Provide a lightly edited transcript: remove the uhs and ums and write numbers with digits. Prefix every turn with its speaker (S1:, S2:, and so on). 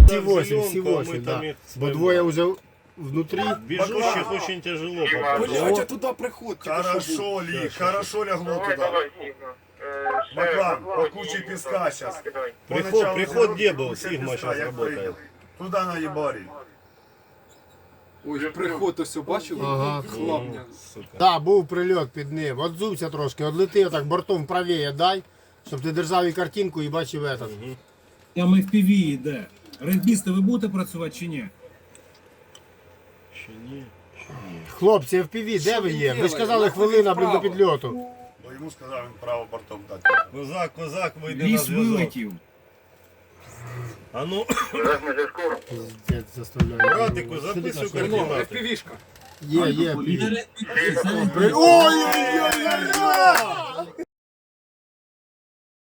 S1: Всі 8, всі 8, да. Бо двоє вже внутрі.
S2: Бежущих очень тяжело попасть.
S3: Блядь, туди приходь.
S4: Хорошо, Ли, хорошо лягло туда. Баклан, по куче песка сейчас.
S2: Приход где был? Сигма сейчас работает.
S4: Туда на ебарі.
S3: Ой, приход ось бачили?
S1: Ага.
S3: Хлапня.
S1: Так, був прильот під ним. От зувся трошки, одлети так бортом правіє дай, щоб ти держав і картинку і бачив этот.
S5: Там FPV йде. Регбісти, ви будете працювати чи ні?
S2: Ще ні.
S1: Хлопці, FPV, де ви є? Ви ж казали хвилина до підльоту.
S4: Бо йому сказав, він право бортом дати.
S2: Козак, вийде на
S5: Ліс
S2: зв'язок.
S5: вилетів.
S2: А ну,
S1: Пиздець, заставляю.
S2: братику, записуй координати.
S3: FPV-шка.
S1: Є, є.
S5: Піде
S1: Ой-ой-ой,